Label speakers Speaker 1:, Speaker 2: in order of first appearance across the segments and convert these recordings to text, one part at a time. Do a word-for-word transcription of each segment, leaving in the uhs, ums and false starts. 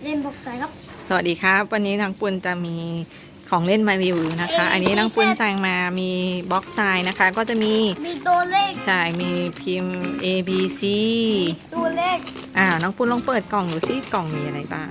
Speaker 1: เล่นบอกใส่ครับ
Speaker 2: สวัสดีครับวันนี้น้องปุณจะมีของเล่นมารีวิวนะคะ อันนี้น้องปุณสั่งมามีบล็อกทรายนะคะ ก็จะมี
Speaker 1: มีตัวเลข
Speaker 2: ใช่มีพิมพ์ A B C
Speaker 1: ตัวเลข
Speaker 2: อ่าน้องปุณลองเปิดกล่องดูซิกล่องมีอะไรบ้าง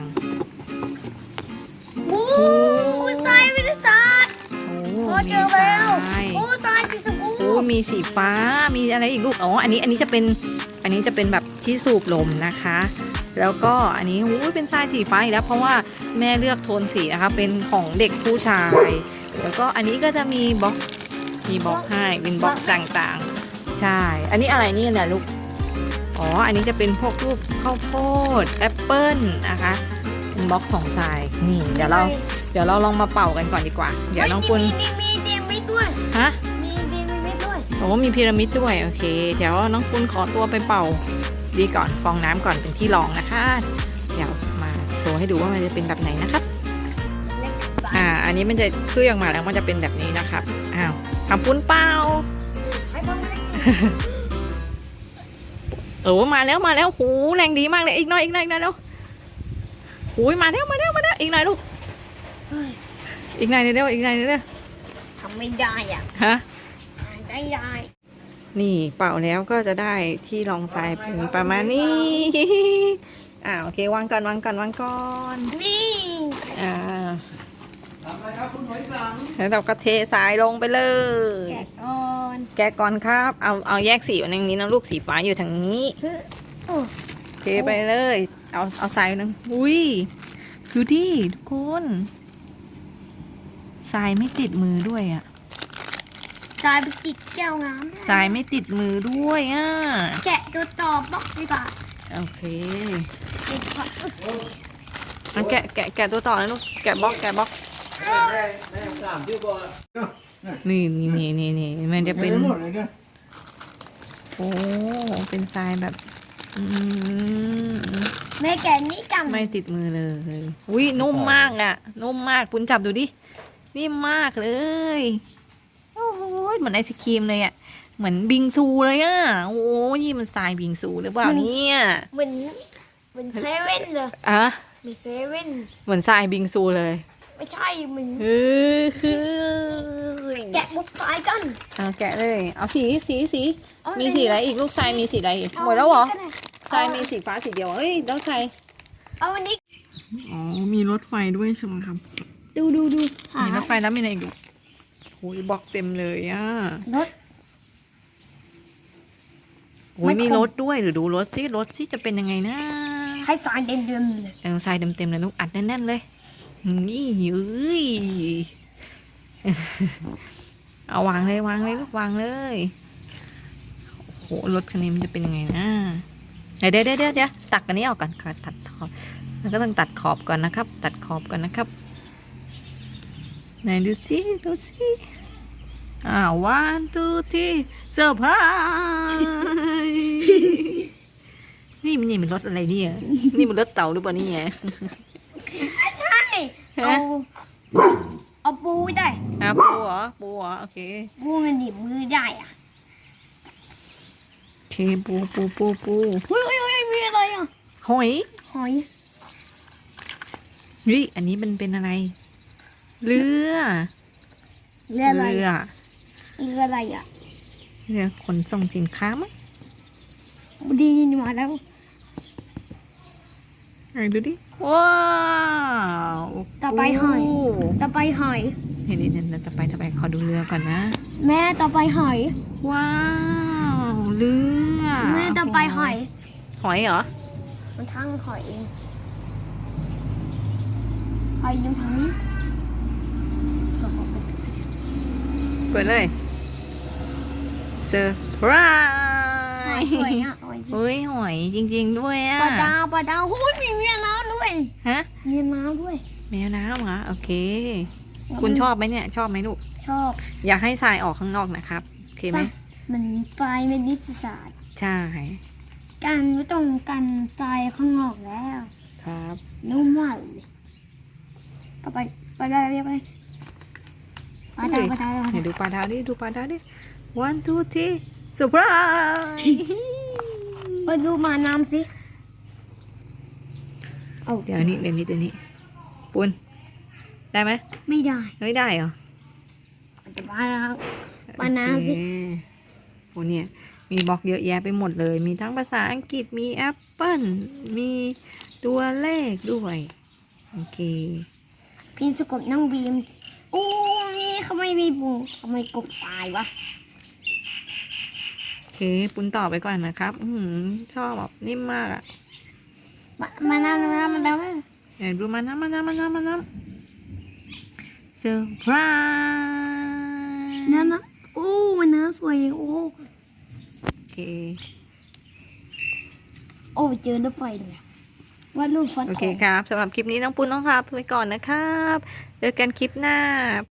Speaker 1: โอ้ทรายวิทยาศาสตร์
Speaker 2: โอ้
Speaker 1: มีทรายโอ้ทรายสีชมพู
Speaker 2: โอ้มีสีฟ้ามีอะไรอีกลูกอ๋ออันนี้อันนี้จะเป็นอันนี้จะเป็นแบบที่สูบลมนะคะแล้วก็อันนี้โอ้ยเป็นทรายสีฟ้าอีกแล้วเพราะว่าแม่เลือกโทนสีนะคะเป็นของเด็กผู้ชายแล้วก็อันนี้ก็จะมีบล็อกมีบล็อกให้เป็นบล็อกต่างๆใช่อันนี้อะไรนี่แหละลูกอ๋ออันนี้จะเป็นพวกรูปข้าวโพดแอปเปิ้ลนะคะเป็นบล็อกของทรายนี่เดี๋ยวเราเดี๋ยวเราลองมาเป่ากันก่อนดีกว่าเดี๋ยวน้องปุณ
Speaker 1: มีมีมีมีด้วย
Speaker 2: ฮะ
Speaker 1: มีมีมีด้วย
Speaker 2: โอ้มีพีระมิดด้วยโอเคเดี๋ยวน้องปุณขอตัวไปเป่าดีก่อนฟองน้ำก่อนเป็นที่รองนะคะเดี๋ยวมาโชว์ให้ดูว่ามันจะเป็นแบบไหนนะครับอ่าอันนี้มันจะเคลื่อนมาแล้วมันจะเป็นแบบนี้นะครับอ้าวทำปุ้นเปล่าโอ้มาแล้วมาแล้วหูแรงดีมากเลยอีกหน่อยอีกหน่อยอีกหน่อยแล้วหูมาแล้วมาแล้วมาแล้วอีกหน่อยลูกอีกหน่อยเร็วอีกหน่อยเร็ว
Speaker 1: ทำไม่ได้อ่ะ
Speaker 2: ฮะ
Speaker 1: ได้ได้
Speaker 2: นี่เป่าแล้วก็จะได้ที่รองทรายเป็นประมาณนี้อ่าโอเควางก่อนวางก่อนวางก่อน
Speaker 1: นี่
Speaker 2: อ่าทำอะไรครับคุณหอยสังแล้วเราก็เททรายลงไปเลย
Speaker 1: แกะก่อน
Speaker 2: แกะก่อนครับเอาเอาแยกสีอยู่ตรงนี้นะลูกสีฟ้าอยู่ทางนี้เทไปเลยเอาเอาทรายนึงอุ้ยดูดิทุกคนทรายไม่ติดมือด้วยอ่ะ
Speaker 1: ทรายไปติดแก้วน้
Speaker 2: ำทรายไม่ติดมือด้วยอ่ะ
Speaker 1: แกะตัวต่อบล็อกดีกว่า
Speaker 2: โอเคเอาแกะแกะแกะตัวต่อนะลูกแกะบล็อกแกะบล็อกนี่นี่นี่นี่นี่มันจะเป็นโอ้เป็นทรายแบบ
Speaker 1: แม่แกะนี่กัน
Speaker 2: ไม่ติดมือเลยอุ้ยนุ่มมากอ่ะนุ่มมากปุ้นจับดูดินิ่มมากเลยโอ้โหเหมือนไอศครีมเลยอ่ะเหมือนบิงซูเลยอ่ะโอ้ยมันทรายบิงซูหรือเปล่าเนี่ย
Speaker 1: เหมือนเหมือนเซเว่นเลย
Speaker 2: อะ
Speaker 1: เหมือนเซเว่น
Speaker 2: เหมือนทรายบิงซูเลย
Speaker 1: ไม่ใช่เหมือน
Speaker 2: เออคือ
Speaker 1: แกะบุกทรายกัน
Speaker 2: เอาแกะเลยเอาสีสีสีมีสีอะไรอีกลูกทรายมีสีอะไรอีกหมดแล้วเหรอทรายมีสีฟ้าสีเดียวเฮ้ยแล้วทราย
Speaker 1: เอาวันนี้
Speaker 2: อ๋อมีรถไฟด้วยใช่ไหมครับ
Speaker 1: ดูดูดู
Speaker 2: มีรถไฟแล้วมีอะไรอีกโอ้ยบล็อกเต็มเลยอ่ะ
Speaker 1: รถ
Speaker 2: โอ้ยมีรถด้วยหรือดูรถซิรถซิจะเป็นยังไงนะ
Speaker 1: ให้ทรายเต็มเต็มเลย
Speaker 2: เออทรายเต็มเต็มเลยลูกอัดแน่นๆเลยนี่เอ้ยเอาวางเลยวางเลยลูกวางเลยโอ้โหรถคันนี้มันจะเป็นยังไงนะเดี๋ยวเดี๋ยวเดี๋ยวเดี๋ยวตักอันนี้ออกก่อนค่ะตัดขอบแล้วก็ต้องตัดขอบก่อนนะครับตัดขอบก่อนนะครับไหนดูสิดูสิอ่า one two three เซอร์ไพรส์นี่มันนี่มันรถอะไรเนี่ยนี่มันรถเต่าหรือเปล่านี่ไง
Speaker 1: ใช่เอาเอาปูได้
Speaker 2: อ่ะปูเหรอปูเหรอโอเค
Speaker 1: ปูมันหนีบมือได้อ่ะ
Speaker 2: โอเคปูปูปูปู
Speaker 1: อุ้ยอุ้ยอุ้ยมีอะไรอ่ะ
Speaker 2: หอย
Speaker 1: หอย
Speaker 2: เฮ้ยอันนี้มันเป็นอะไรเรือ
Speaker 1: เรืออะไร
Speaker 2: เรือ
Speaker 1: เรืออะไรอ่ะ
Speaker 2: เรือขนส่งสินค้ามั้ง
Speaker 1: ดีมาแล้ว
Speaker 2: ไหนดูดิว้าว
Speaker 1: ต่อไปหอยต่อไปหอย
Speaker 2: เห็นเห็นต่อไปต่อไปขอดูเรือก่อนนะ
Speaker 1: แม่ต่อไปหอย
Speaker 2: ว้าวเรือ
Speaker 1: แม่ต่อไปหอย
Speaker 2: หอยเหรอ
Speaker 1: มันทั้งหอยเองหอยยังทางนี้
Speaker 2: เปิดเลยเซอร์ไพรส์
Speaker 1: หอยอ่ะ
Speaker 2: เฮ้ยหอยจริงๆด้วยอ่ะ
Speaker 1: ปลาดาวปลาดาวโอ้ยมีแมวน้ำด้วย
Speaker 2: ฮะ
Speaker 1: มีน้ำด้วย
Speaker 2: แมวน้ำเหรอโอเคคุณชอบไหมเนี่ยชอบไหมลูก
Speaker 1: ชอบ
Speaker 2: อยากให้ทรายออกข้างนอกนะครับโอเคไหม
Speaker 1: มันทรายเป็นนิสศาสตร์
Speaker 2: ใช่
Speaker 1: การไม่ต้องกันทรายข้างนอกแล้ว
Speaker 2: ครับ
Speaker 1: นุ่มมากเลยต่อไปไปได้เรียบไปปลาดาวปลาดาว
Speaker 2: เดี๋ยวดูปลาดาวดิดูปลาดาวดิ one two three เซอร์ไพรส์
Speaker 1: ไปดูมาน้ำสิเอา
Speaker 2: เดี๋ยวนี้เดี๋ยวนี้เดี๋ยวนี้ปุนได้ไหม
Speaker 1: ไม่ได้
Speaker 2: ไม่ได้เหรอ
Speaker 1: จะบ้าแล้ว บานาสิ
Speaker 2: โอเคโอ้เนี่ยมีบล็อกเยอะแยะไปหมดเลย มีทั้งภาษาอังกฤษมีแอปเปิลมีตัวเลขด้วยโอเค
Speaker 1: พี่สะกดนั่งบีมโอ้ยเขาไม่มีบุงทำไมกบตายวะ
Speaker 2: โอเคปุนต่อไปก่อนนะครับ อืมชอบแบบนิ่มมากอะ
Speaker 1: มามาน้ำน้ำมาน้ำ
Speaker 2: เดี๋ยวดูมาน้ำมาน้ำมาน้ำมาน้ำเซอร์ไพรส์
Speaker 1: น้ำนะโอ้มันน้ำสวยโอ้
Speaker 2: โอเค
Speaker 1: โอ้เจอรถไฟเลยว่าดรูปฟัน
Speaker 2: โอเคครับสำหรับคลิปนี้น้องปุนน้องครับไปก่อนนะครับเจอกันคลิปหน้า